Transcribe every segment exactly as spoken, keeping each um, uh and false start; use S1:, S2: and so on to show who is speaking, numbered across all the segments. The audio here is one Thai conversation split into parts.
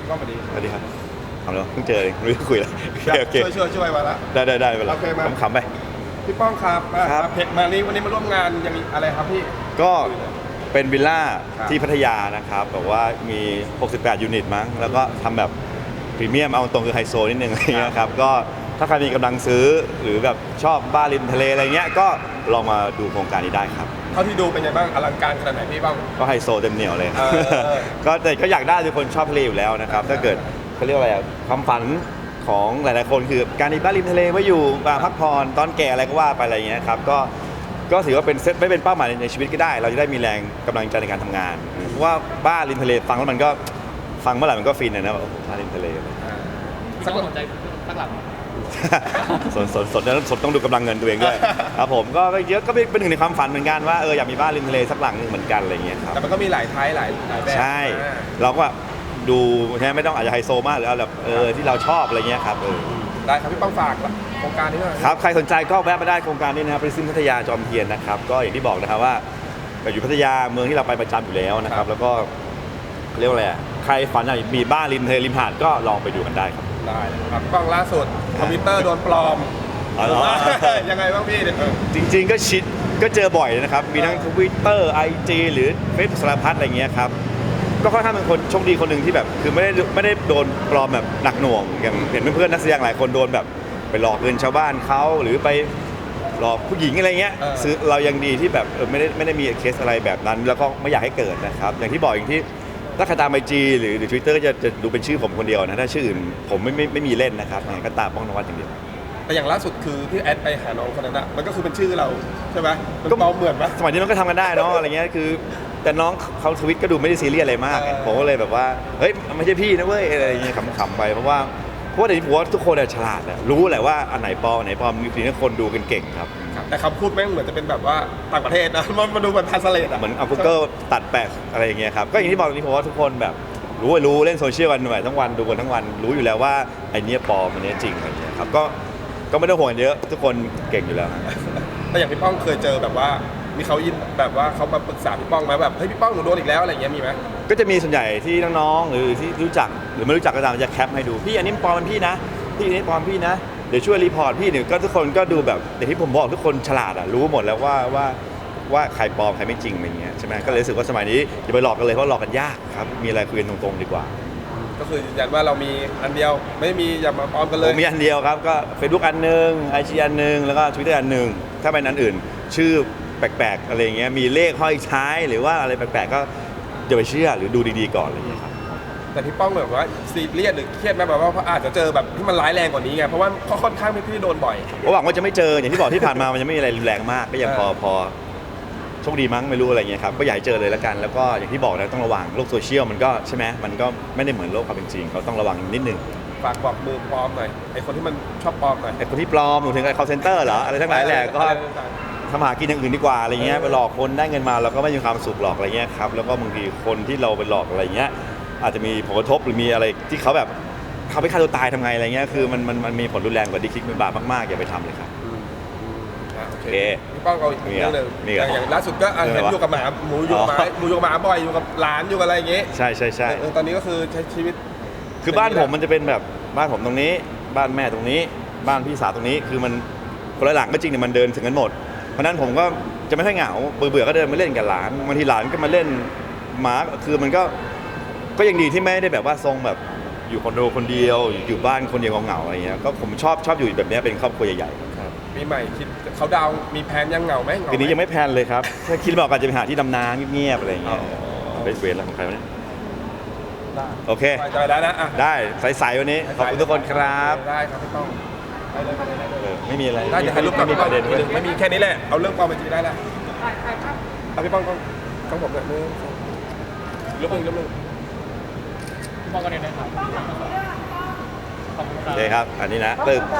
S1: ป้องสวัสดี
S2: สวัสดีครับทำแล้วเพิ่งเจอเองไม่รู้จะคุยแล้วโอเค
S1: ช่วยช่วยช่วยมาละ
S2: ได้ได้ได้เวลา
S1: โอเคมา
S2: ขำๆไป
S1: พี่ป้องครับ
S2: ครับ
S1: เพจมานี้วันนี้มาร่วมงานยังมีอะไรครับพี่
S2: ก็เป็นวิลล่า
S1: ครับ
S2: ที่พัทยานะครับแบบว่ามี หกสิบแปด ยูนิตมั้งแล้วก็ทำแบบพรีเมียมเอาตรงคือไฮโซนิดนึงอะไรเงี้ยครับก็ถ้าใครมีกำลังซื้อหรือแบบชอบบ้านริมทะเลอะไรเงี้ยก็ลองมาดูโครงการนี้ได้ครับ
S1: เท่าที่ดูเป็นไงบ้างอลังการขนาดไหนพี่ป้อง
S2: ก็ไฮโซเต็มเหนียวเลย
S1: เออ
S2: ก็แต่ก็อยากได้ทุกคนชอบทะเลอยู่แล้วนะครับถ้าเกิดเขาเรียกว่าอะไรอะความฝันของหลายๆคนคือการมีบ้านริมทะเลไว้อยู่มาพักผ่อนตอนแก่อะไรก็ว่าไปอะไรอย่างเงี้ยครับก็ก็ถือว่าเป็นเซตไม่เป็นเป้าหมายในชีวิตก็ได้ เราจะได้มีแรงกำลังใจในการทำงานเพราะว่าบ้านริมทะเลฟังแล้วมันก็ฟังเมื่อไหร่มันก็ฟินนะนะแบบบ้านริมทะเล
S3: สักสนใจสักหลัง
S2: สนสนสนสนต้องดูกำลังเงินตัวเองด้วยครับผมก็เยอะก็เป็นหนึ่งในความฝันเหมือนกันว่าเอออยากมีบ้านริมทะเลสักหลังหนึงเหมือนกันอะไรอย่างเงี้ยครับ
S1: แต่มันก็มีหลายไทป์หลายหลายแบบ
S2: ใช่
S1: อ่า
S2: เราก็ดูใช่ไหมไม่ต้องอาจจะไฮโซมากหรือเอาแบบเออที่เราชอบอะไรเงี้ยครับเออ
S1: ได้ครับพี่ป้องฝากโครงการนี้หน่อย
S2: ครับใครสนใจก็แวะมาได้โครงการนี้นะครับริซิมพัทยาจอมเทียนนะครับก็อย่างที่บอกนะครับว่าอยู่พัทยาเมืองที่เราไปประจำอยู่แล้วนะครับแล้วก็เรียกว่าอะไรอ่ะใครฝันอยากมีบ้านริมทะเลริมหาดก็ลองไปดูกันได้ครับ
S1: ได้ครับพี่ป้องล่าสุดคอมพิวเตอร์โดนปลอม
S2: อ๋อเหรอ
S1: ยังไงบ้างพี่เดี๋ยวเออ
S2: จริงๆก็ชิดก็เจอบ่อยนะครับมีทั้ง Twitter ไอ จี หรือเฟซสารพัดอะไรเงี้ยครับก็ค่อนข้างเป็นคนโชคดีคนหนึ่งที่แบบคือไม่ได้ไม่ได้โดนปลอมแบบหนักหน่วงอย่างเห็นเพื่อนๆนักแสดงหลายคนโดนแบบไปหลอกเงินชาวบ้านเขาหรือไปหลอกผู้หญิงอะไรเงี้ยซื้อเรายังดีที่แบบเออไม่ได้ไม่ได้มีเคสอะไรแบบนั้น แล้วก็ไม่อยากให้เกิดนะครับอย่างที่บอกอย่างที่ถ้าใครตามไอจีหรือหรือทวิตเตอร์ก็จะจะดูเป็นชื่อผมคนเดียวนะถ้าชื่ออื่นผมไม่ไม่ไม่มีเล่นนะครับยังไงก็ตามป้องนวัดอย่างเดียว
S1: แต่อย่างล่าสุดคือที่แอดไปหาน้องคนนั้นอะมันก็คือเป็นชื่อเราใช่ไหมมันปลอมเหมือนปะ
S2: สมัยนี้มันก็ทำกันได้เนาะอะไรเงี้ยคือแต่น้องเขาทวิตก็ดูไม่ได้ซีเรียสอะไรมาก
S1: เออ
S2: ผมก็เลยแบบว่าเฮ้ยมันไม่ใช่พี่นะเว้ยอะไรอย่างเงี้ยขำๆไปเพราะว่าเพราะว่าเดี๋ยวนี้ผมว่าทุกคนอะฉลาดอะรู้แหละว่าอันไหนปลอมอันไหนปลอมมีทีนี้คนดูกันเก่งครับ
S1: ครับแต่คำพูดแม่งเหมือนจะเป็นแบบว่าต่างประเทศนะ มันมาดูแบบทันสเลตอะ
S2: เหมือนเอา Google ตัดแปะอะไรอย่างเงี้ยครับก็อย่างที่บอกตรงนี้ผมว่าทุกคนแบบรู้รู้เล่นโซเชียลกันหน่อยทั้งวันดูกันทั้งวันรู้อยู่แล้วว่าไอ้เนี้ยปลอมอันเนี้ยจริงอะไรเงี้ยครับก็ก็ไม่ต้องห่วงเยอะทุกคนเก่งอยู่แล้ว
S1: แต่อย่างพี่ป้องเคยเจอแบบว่ามีเขายินแบบว่าเขามาปรึกษาพี่ป้องไหมแบบเฮ้ยพี่ป้องหนูโดนอีกแล้วอะไรอย่างเงี้ยมีไหม
S2: ก็จะมีส่วนใหญ่ที่น้องๆหรือที่รู้จักหรือไม่รู้จักก็ตามจะแคปให้ดูพี่อันนี้ปลอมเป็นพี่นะพี่อันนี้ปลอมพี่นะเดี๋ยวช่วยรีพอร์ตพี่เนี่ยก็ทุกคนก็ดูแบบอย่างที่ผมบอกทุกคนฉลาดอ่ะรู้หมดแล้วว่าว่าว่าใครปลอมใครไม่จริงอะไรเงี้ยใช่ไหมก็เลยรู้สึกว่าสมัยนี้อย่าไปหลอกกันเลยเพราะหลอกกันยากครับมีอะไรคุยกันตรงๆดีกว่า
S1: ก็คือยืนยันว่าเรามีอันเดียวไม่มีอย่ามาปลอมกันเล
S2: ผ
S1: ย
S2: มมีอันเดียวครับก็ Facebook อันหนึ่งไอจีอันหนึ่งแล้วก็ Twitter อันหนึ่งถ้าเป็นอันอื่น ชื่อแปลกๆอะไรเงี้ยมีเลขห้อยท้ายหรือว่าอะไรแปลกๆก็อย่าไปเชื่อหรือดูดีๆก่อนอะไรเงี้ยครับ
S1: แต่พี่ป้องแบบว่าซีเรียสหรือเครียดไหมแบบว่าเพราะอาจจะเจอแบบที่มันร้ายแรงกว่านี้ไงเพราะว่าเขาค่อนข้างพี่พี่โดนบ่อย
S2: ก็หวังว่าจะไม่เจออย่างที่บอกที่ผ่านมามันยังไม่มีอะไรรุนแรงมากก็ยังพอ
S1: เออ
S2: พอโชคดีมั้งไม่รู้อะไรเงี้ยครับก็อย่าให้เจอเลยแล้วกัน แล้วก็อย่างที่บอกนะต้องระวังโลกโซเชียลมันก็ใช่ไหมมันก็ไม่ได้เหมือนโลกความเป็นจริงเขาต้องระวังนิดนึง
S1: ฝากบอกมือปลอมหน่อยไอ้คนที่มันชอบปลอมหน่อย
S2: ไอ้คนที่ปลอมหนูถึงไอ้ call center เหรออะไรทั้งหลายแหละก็
S1: อะไรต่าง
S2: ทำหากินอย่างอื่นดีกว่าอะไรเงี้ยไปหลอกคนได้เงินมาเราก็ไม่มีความสุขหรอกอะไรเงี้ยครับแล้วก็บางทีคนที่เราไปหลอกอะไรเงี้ยอาจจะมีผลกระทบหรือมีอะไรที่เขาแบบเขาไปฆ่าตัวตายทำไงอะไรเงี้ยคือมันมันมันมีผลรุนแรงกว่าที่คิดเป็นบาปมากๆอย่าไปทำเลยครับ
S1: ๆอืมอืมอ่ะโอเค
S2: โอเค
S1: พี่ป้องเอาอีกเรื่องหนึ่ง
S2: มีเหรอ
S1: อย่างล่าสุดก็อ่ะ
S2: เรื่องอะไร
S1: เห็นอยู่กับหมาหมูอยู่กับหมา
S2: อ๋อ
S1: หมูอยู่กับหมาบ่อยอยู่กับหลานอยู่กับอะไรอย่างเงี้ย
S2: ใช่ใช่ใช่
S1: เออตอนนี้ก็คือใช้ชีวิต
S2: คือบ้านผมมันจะเป็นแบบบ้านผมตรงนี้บ้านแม่ตรงนี้ บ้านพี่สาวตรงนี้คือมันคนละหลังก็จริงแต่มันเดินถึงกันหมดเพราะนั้นผมก็จะไม่ค่อยเหงาเบื่อๆก็เดินมาเล่นกับหลานบางทีหลานก็มาเล่นหมาคือมันก็ก็ยังดีที่ไม่ได้แบบว่าทรงแบบอยู่คอนโดคนเดียวอยู่บ้านคนเดียวเหงาๆอะไรเงี้ยก็ผมชอบชอบอยู่แบบนี้เป็นครอบครัวใหญ่ๆ
S1: ครับปีใหม่คิดเขาดาวน์มีแพลนยังเหงาไหมเหงา
S2: ทีนี้ยัง
S1: ไหม
S2: ไม่แพลนเลยครับถ้าคิดบอกอาจจะไปหาที่ดำน้ำเงียบๆอะไรอย่างเงี้ย
S1: อ๋อ
S2: เบสเวรแล้วของใครวะเนี่ย
S1: ได้
S2: โอเค
S1: ไปได้แล้วนะอ่ะ
S2: ได้ใสๆวันนี้ขอบคุณทุกคนครับ
S1: ได้ครับพี่ป้องไปเลยไปเลยได้เลย
S2: เออไม่มีอะไร
S1: ได้เดี๋ยวถ่ายรูปกับ
S2: ไม่มี
S1: พี่
S2: ป
S1: ป้อง
S2: ระเด็นด้วย
S1: ไม่มีแค่นี้แหละเอาเรื่องปลอมไปจีได้แล้วเอาพี่ป้องต้องต้องผมเนี่ยนึงรูปหนึ่งรูปหนึ่ง
S3: พี่ป้องก็เนี่ยนะครับขอบคุณค
S2: โอ
S3: รับ
S2: เคครับ อันนี้นะตึก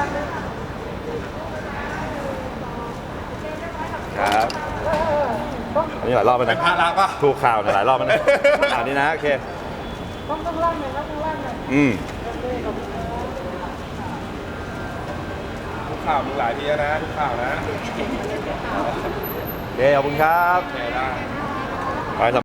S2: ครับอันนี้หลายรอบแล้ว
S1: เป็น
S2: นะ
S1: พระละป่ะ
S2: ถูกข่าวเนี่ยหลายรอบแล้วนะอันนี้นะโอเค
S4: ต้องต้องล่างหน่อยครับต้องล่างหน่อย
S2: อืม
S1: ทุกข่าวมึงหลายทีแล้วนะทุกข่าวนะ
S2: โอเคขอบคุณครับ
S1: โอเคได้
S2: ไป